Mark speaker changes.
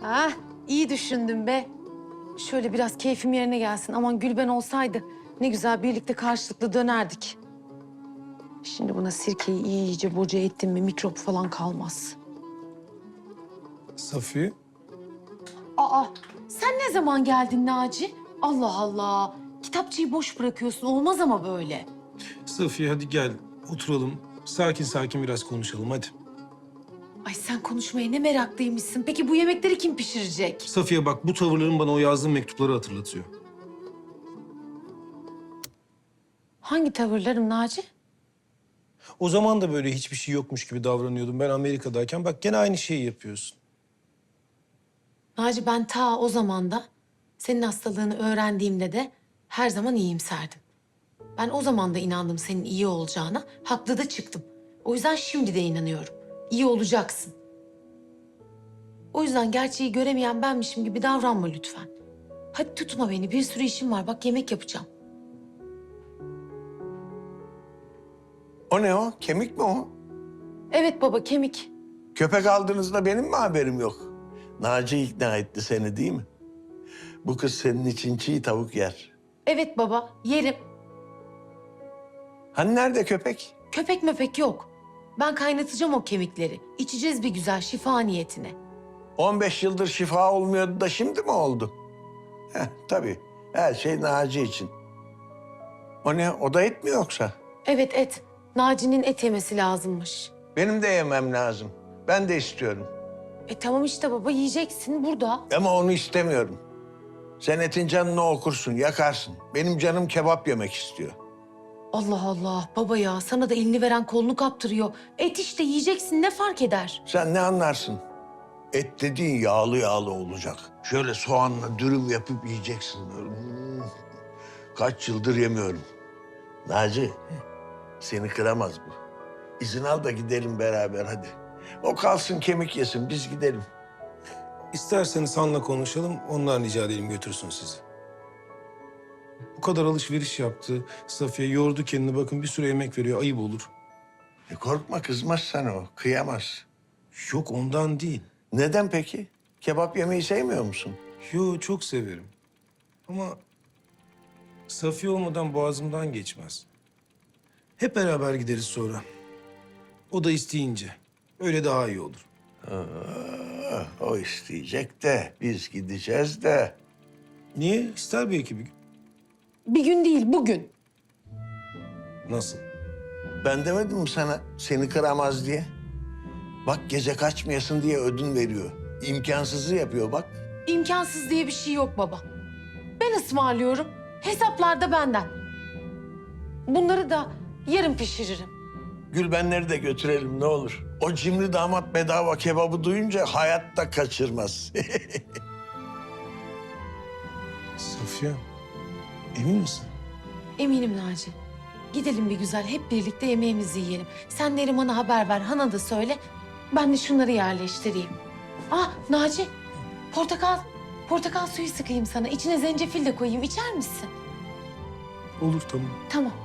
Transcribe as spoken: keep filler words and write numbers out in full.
Speaker 1: Ah, iyi düşündün be. Şöyle biraz keyfim yerine gelsin. Aman Gülben olsaydı ne güzel birlikte karşılıklı dönerdik. Şimdi buna sirkeyi iyice boca ettim mi mikrop falan kalmaz.
Speaker 2: Safiye,
Speaker 1: Aa, sen ne zaman geldin Naci? Allah Allah. Kitapçıyı boş bırakıyorsun. Olmaz ama böyle.
Speaker 2: Safiye hadi gel oturalım. Sakin sakin biraz konuşalım hadi.
Speaker 1: Ay sen konuşmaya ne meraklıymışsın. Peki bu yemekleri kim pişirecek?
Speaker 2: Safiye bak bu tavırların bana o yazdığın mektupları hatırlatıyor.
Speaker 1: Hangi tavırlarım Naci?
Speaker 2: O zaman da böyle hiçbir şey yokmuş gibi davranıyordum ben Amerika'dayken. Bak gene aynı şeyi yapıyorsun.
Speaker 1: Naci ben ta o zamanda senin hastalığını öğrendiğimde de her zaman iyimserdim. Ben o zaman da inandım senin iyi olacağına. Haklı da çıktım. O yüzden şimdi de inanıyorum. İyi olacaksın. O yüzden gerçeği göremeyen benmişim gibi davranma lütfen. Hadi tutma beni. Bir sürü işim var. Bak yemek yapacağım.
Speaker 3: O ne o? Kemik mi o?
Speaker 1: Evet baba kemik.
Speaker 3: Köpek aldığınızda benim mi haberim yok? Naci ikna etti seni değil mi? Bu kız senin için çiğ tavuk yer.
Speaker 1: Evet baba yerim.
Speaker 3: Hani nerede köpek?
Speaker 1: Köpek möpek yok. Ben kaynatacağım o kemikleri. İçeceğiz bir güzel şifa niyetine.
Speaker 3: on beş yıldır şifa olmuyordu da şimdi mi oldu? Heh, tabii. Her şey Naci için. O ne? O da et mi yoksa?
Speaker 1: Evet et. Naci'nin et yemesi lazımmış.
Speaker 3: Benim de yemem lazım. Ben de istiyorum.
Speaker 1: E tamam işte baba yiyeceksin burada.
Speaker 3: Ama onu istemiyorum. Sen etin canını okursun, yakarsın. Benim canım kebap yemek istiyor.
Speaker 1: Allah Allah baba ya sana da elini veren kolunu kaptırıyor. Et işte yiyeceksin ne fark eder?
Speaker 3: Sen ne anlarsın? Et dediğin yağlı yağlı olacak. Şöyle soğanla dürüm yapıp yiyeceksin. Böyle. Hmm. Kaç yıldır yemiyorum. Naci, seni kıramaz bu. İzin al da gidelim beraber hadi. O kalsın kemik yesin, biz gidelim.
Speaker 2: İsterseniz Han'la konuşalım, ondan rica edelim götürsün sizi. Bu kadar alışveriş yaptı. Safiye yordu kendini bakın bir sürü emek veriyor, ayıp olur.
Speaker 3: E korkma, kızmaz sana o, kıyamaz.
Speaker 2: Yok ondan değil.
Speaker 3: Neden peki? Kebap yemeyi sevmiyor musun?
Speaker 2: Yo çok severim. Ama Safiye olmadan boğazımdan geçmez. Hep beraber gideriz sonra. O da isteyince. Öyle daha iyi olur.
Speaker 3: Aa, o isteyecek de, biz gideceğiz de.
Speaker 2: Niye? İster belki bir gün.
Speaker 1: Bir gün değil bugün.
Speaker 2: Nasıl?
Speaker 3: Ben demedim mi sana seni kıramaz diye? Bak gece kaçmayasın diye ödün veriyor. İmkansızı yapıyor bak.
Speaker 1: İmkansız diye bir şey yok baba. Ben ısmarlıyorum. Hesaplar da benden. Bunları da yarın pişiririm.
Speaker 3: Gülbenleri de götürelim ne olur. O cimri damat bedava kebabı duyunca hayatta kaçırmaz.
Speaker 2: Safiye, emin misin?
Speaker 1: Eminim Naci. Gidelim bir güzel hep birlikte yemeğimizi yiyelim. Sen Neriman'a haber ver, Han'a da söyle. Ben de şunları yerleştireyim. Ah Naci, portakal, portakal suyu sıkayım sana. İçine zencefil de koyayım. İçer misin?
Speaker 2: Olur tamam.
Speaker 1: Tamam.